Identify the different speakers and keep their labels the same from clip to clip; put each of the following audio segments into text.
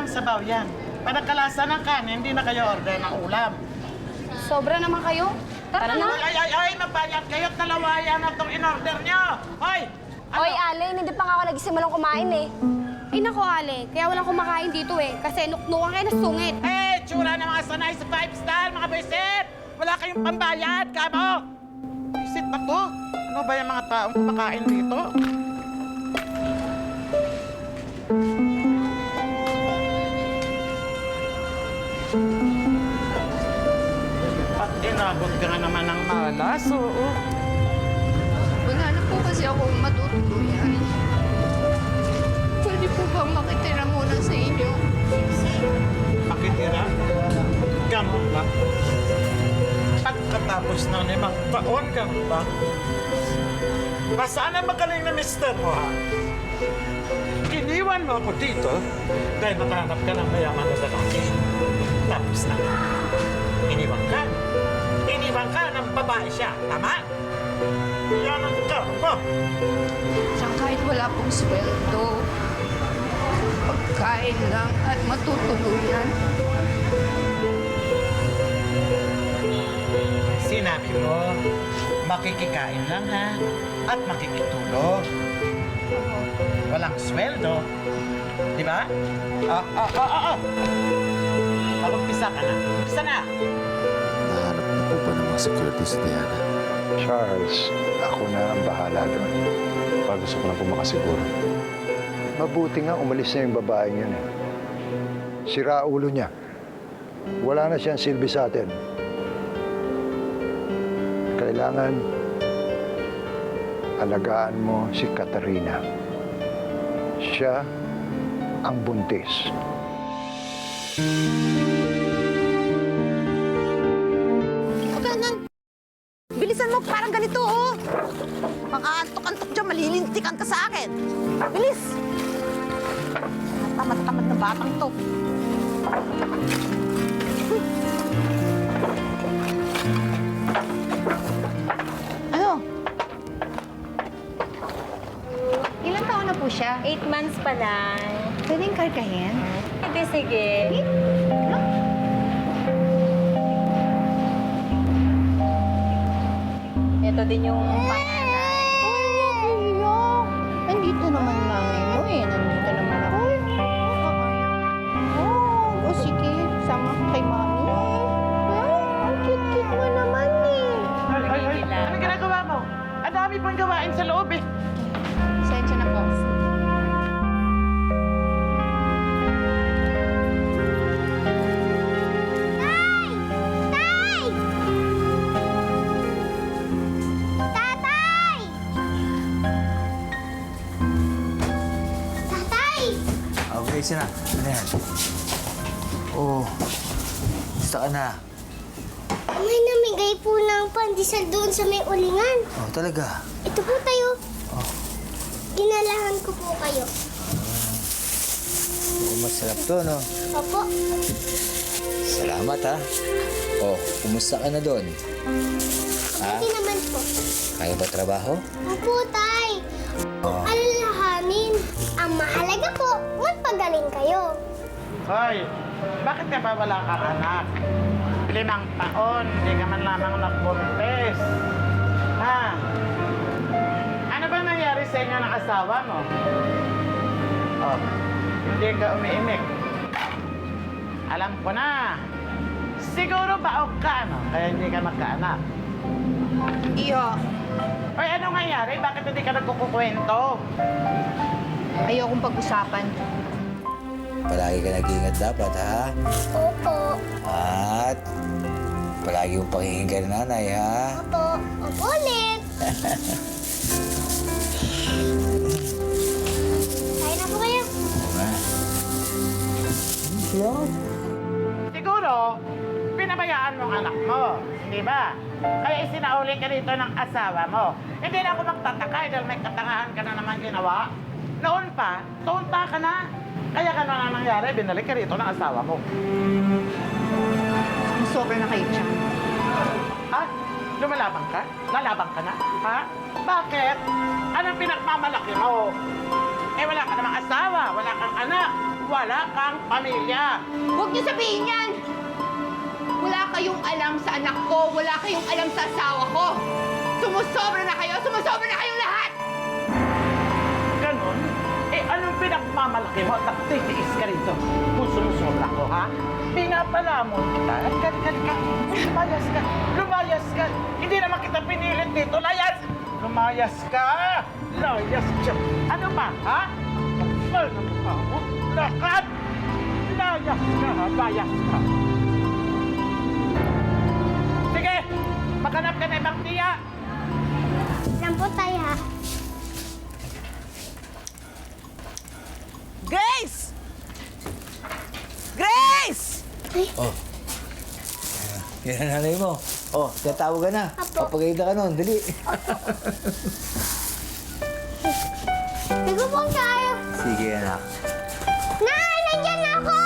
Speaker 1: sabaw yan. Panagkalasa ng kanin, hindi na kayo order ng ulam.
Speaker 2: Sobra naman kayo. Tara na.
Speaker 1: Ay, mabayad kayo. Dalawa yan na itong in-order nyo. Hoy! Ano?
Speaker 2: Oy, Alin, hindi pa nga ako nagsimulang kumain eh.
Speaker 3: Ay nako, Ale. Kaya walang kumakain dito eh. Kasi nuknukan kayo na sungit.
Speaker 1: Tsura ng mga sanay sa 5-star, mga boyset! Wala kayong pambayad, kamo! Boyset ba to? Ano ba yung mga taong kumakain dito? At inabot ka nga naman ng malas, oo.
Speaker 4: Wala na po kasi akong matutuluyan. Pwede po bang makitira muna sa inyo?
Speaker 1: Makitira? Ganun ba? Pagkatapos ng 5 taon, ganun ba? Sana magaling na mister mo, ha? Iniwan mo ako dito dahil nakahanap ka ng mayaman na lalaki. Tapos na. Iniwan ka. Iniwan ka ng babae siya. Tama? Yan ang karma.
Speaker 4: Siyang kahit wala pong sweldo, pagkain lang at matutuluyan.
Speaker 1: Sinabi mo, makikikain lang, ha? At makikitulog. Walang sweldo. Di ba? Mag-umpisa ka na. Umpisa na!
Speaker 5: Nahanap na po ba ng mga security si Diana?
Speaker 6: Charles, ako na ang bahala doon.
Speaker 5: Gusto ko lang po makasiguro.
Speaker 6: Mabuti nga umalis na yung babaeng yun eh. Sira ulo niya. Wala na siyang silbi sa atin. Kailangan alagaan mo si Katarina. Siya ang buntis.
Speaker 7: Bilisan mo, parang ganito, oh. Makaantok-antok dyan, malilintikan ka sa akin. Bilis! Tamad-tamad na batang to. Ano?
Speaker 2: Ilang taon na po siya?
Speaker 3: 8 months pa lang.
Speaker 2: Pwedeng kargahin?
Speaker 3: Sige, sige. Ito din yung panganay.
Speaker 7: Ay, wag iyak. Nandito naman nanay mo eh. Nandito naman ako. Oh, sige. Sama ka kay mami. Ang cute-cute mo naman eh.
Speaker 1: Ano ginagawa mo? Ang dami pang gawain sa loob, eh.
Speaker 2: Sensya na po.
Speaker 8: Okay, sina. Ano yan? Oh, gusto ka na.
Speaker 9: May namigay po ng pandesal doon sa may ulingan.
Speaker 8: Oh, talaga?
Speaker 9: Ito po tayo.
Speaker 8: Oh.
Speaker 9: Ginalahan ko po kayo.
Speaker 8: Oh, masarap to, no?
Speaker 9: Opo.
Speaker 8: Salamat, ha? Oh, kumusta ka na doon? Ha?
Speaker 9: Hindi naman po.
Speaker 8: Kaya ba trabaho?
Speaker 9: Opo, tay.
Speaker 8: Oh.
Speaker 9: Alalahanin. Ang mahalaga po, magpagaling kayo.
Speaker 1: Hoy, bakit ka ba wala kang anak? 5 taon, hindi ka man lamang nakbuntis. Ha? Ano ba nangyari sa inyo ng asawa mo? Oh, hindi ka umiimik. Alam ko na. Siguro baog ka, no? Kaya hindi ka magkaanak.
Speaker 7: Iyo.
Speaker 1: Hoy, ano nangyari? Bakit hindi ka nagkukukwento?
Speaker 7: Ayokong pag-usapan.
Speaker 8: Palagi ka nag-iingat dapat, ha?
Speaker 9: Opo.
Speaker 8: At palagi mong pakinggan ng nanay, ha?
Speaker 9: Opo. Opo ulit. Kaya na po kayo.
Speaker 8: Oo nga.
Speaker 1: Siguro, pinabayaan mo ang anak mo. Di ba? Kaya isinauli ka dito ng asawa mo. Hindi na ako magtataka dahil may katangahan ka na naman ginawa. Noon pa, tunta ka na. Kaya ka na nangyari, binalik ka rito ng asawa mo.
Speaker 7: Sobra na kayo dyan.
Speaker 1: Ha? Lumalabang ka? Lalabang ka na? Ha? Bakit? Anong pinagmamalaki mo? Eh, wala ka namang asawa, wala kang anak. wala kang pamilya.
Speaker 4: Huwag niyo sabihin yan! Wala kayong alam sa anak ko, wala kayong alam sa asawa ko. Sumusobra na kayo kayong lahat!
Speaker 1: Ganon? Eh, anong pinagmamalaki mo at titiis ka rito kung sumusobra ko, ha? Pinapalamon kita. Halika. Lumayas ka. Hindi naman kita pinilit dito. Lumayas ka. Ano ba, ha? Kapal na mukha mo. Lakad! Layas ka, ha? Bayas ka. Sige, maghanap ka na ibang tiya.
Speaker 9: Lang po tayo ha.
Speaker 7: Grace! Grace!
Speaker 8: Yan ang nanay mo. Oh, tatawag ka na. Papagayda ka nun. Dali.
Speaker 9: Ligo po tayo.
Speaker 8: Sige, anak.
Speaker 9: Nay, nandyan na ako!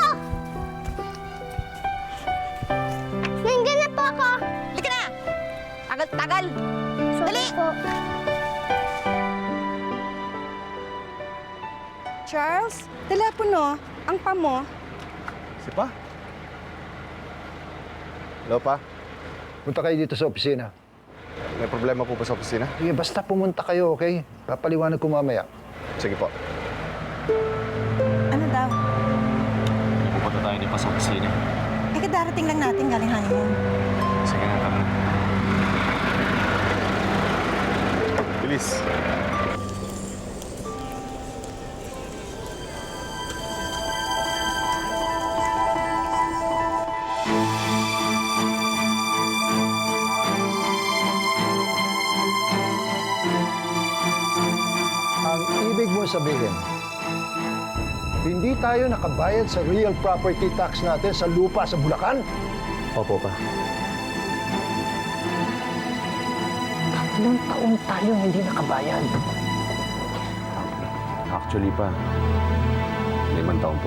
Speaker 9: Nandyan na po ako.
Speaker 7: Halika na! Tagal! Dali!
Speaker 9: Po.
Speaker 2: Charles, telepono. Ang pamo.
Speaker 5: Si Pa? Hello, Pa?
Speaker 6: Punta kayo dito sa opisina.
Speaker 5: May problema po ba sa opisina?
Speaker 6: Sige, basta pumunta kayo, okay? Papaliwanag ko mamaya.
Speaker 5: Sige po.
Speaker 2: Ano daw?
Speaker 5: Pupunta tayo ni Pa sa opisina.
Speaker 2: Eh, kadarating lang natin galing honeymoon.
Speaker 5: Sige na, tara na. Bilis.
Speaker 6: Ang ibig mo sabihin, hindi tayo nakabayad sa real property tax natin sa lupa sa Bulacan?
Speaker 5: Opo, Pa.
Speaker 6: 3 taon tayong hindi nakabayad.
Speaker 5: Actually, Pa, 5 taon po.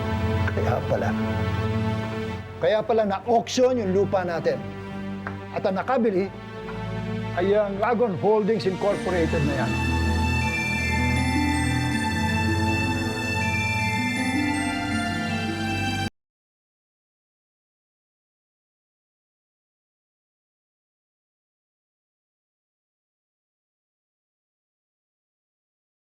Speaker 6: Kaya pala na-auction yung lupa natin. At ang nakabili ay ang Dragon Holdings Incorporated na yan.